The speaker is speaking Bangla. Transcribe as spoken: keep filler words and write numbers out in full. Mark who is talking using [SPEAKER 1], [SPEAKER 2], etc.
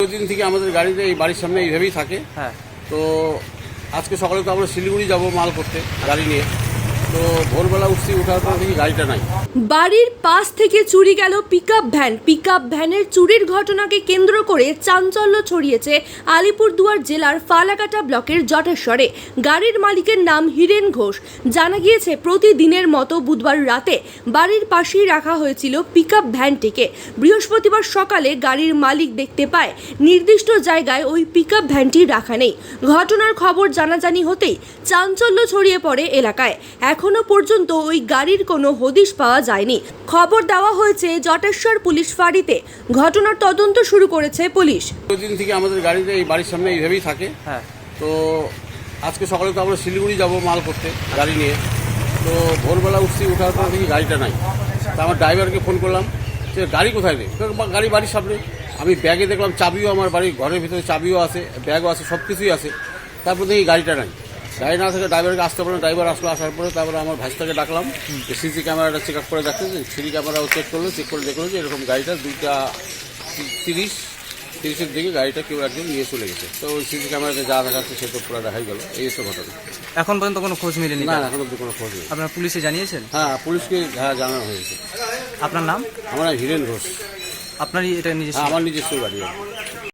[SPEAKER 1] দীর্ঘদিন থেকে আমাদের গাড়িতে এই বাড়ির সামনে এইভাবেই থাকে।
[SPEAKER 2] হ্যাঁ,
[SPEAKER 1] তো আজকে সকালে তো আমরা শিলিগুড়ি যাব মাল করতে গাড়ি নিয়ে। তো ভোরবেলা উঠছি, ওঠার পর দেখি গাড়িটা নাই।
[SPEAKER 3] বাড়ির পাশ থেকে চুরি গেল পিকআপ ভ্যান। পিকআপ ভ্যানের চুরির ঘটনাকে কেন্দ্র করে চাঞ্চল্য ছড়িয়েছে আলিপুরদুয়ার জেলার ফালাকাটা ব্লকের জটেশ্বরে। গাড়ির মালিকের নাম হিরেন ঘোষ। জানা গিয়েছে প্রতিদিনের মতো বুধবার রাতে বাড়ির পাশেই রাখা হয়েছিল পিকআপ ভ্যানটিকে। বৃহস্পতিবার সকালে গাড়ির মালিক দেখতে পায় নির্দিষ্ট জায়গায় ওই পিকআপ ভ্যানটি রাখা নেই। ঘটনার খবর জানাজানি হতেই চাঞ্চল্য ছড়িয়ে পড়ে এলাকায়। এখনো পর্যন্ত ওই গাড়ির কোনো হদিশ পাওয়া যায়নি। খবর দেওয়া হয়েছে জটেশ্বর পুলিশ ফাঁড়িতে। ঘটনার তদন্ত শুরু করেছে পুলিশ।
[SPEAKER 1] দীর্ঘদিন থেকে আমাদের গাড়িতে এই বাড়ির সামনে এইভাবেই থাকে।
[SPEAKER 2] হ্যাঁ,
[SPEAKER 1] তো আজকে সকালে তো আমরা শিলিগুড়ি যাব মাল করতে গাড়ি নিয়ে। তো ভোরবেলা উঠছি, ওঠার পর দেখি গাড়িটা নাই। তা আমার ড্রাইভারকে ফোন করলাম যে গাড়ি কোথায় নেই। গাড়ি বাড়ির সামনে। আমি ব্যাগে দেখলাম চাবিও, আমার বাড়ির ঘরের ভিতরে চাবিও আছে, ব্যাগও আছে, সব কিছুই আছে। তারপর দেখি গাড়িটা নাই। গাড়ি না থেকে ড্রাইভারকে আসতে পারলাম। ড্রাইভার আসলো, আসার পরে তারপরে আমার ভাইসটাকে ডাকলাম যে সিসি ক্যামেরাটা চেক আপ করে দেখতে। সিসি ক্যামেরাও চেক করলো, চেক করে দেখলো যে এরকম গাড়িটা দুইটা তিরিশ তিরিশের দিকে গাড়িটা কেউ একজন নিয়ে চলে গেছে। তো ওই সিসি ক্যামেরাতে যা দেখাচ্ছে সে তো পুরো দেখাই গেল। এই তো ঘটনা।
[SPEAKER 2] এখন পর্যন্ত কোনো খোঁজ মিলেনি?
[SPEAKER 1] না, এখন অব্দি কোনো খোঁজ নেই।
[SPEAKER 2] আপনারা পুলিশে জানিয়েছেন?
[SPEAKER 1] হ্যাঁ, পুলিশকে হ্যাঁ জানানো হয়েছে।
[SPEAKER 2] আপনার নাম?
[SPEAKER 1] আমার নাম হিরেন ঘোষ।
[SPEAKER 2] আপনারই এটা নিজস্ব?
[SPEAKER 1] হ্যাঁ, আমার নিজস্ব গাড়ি।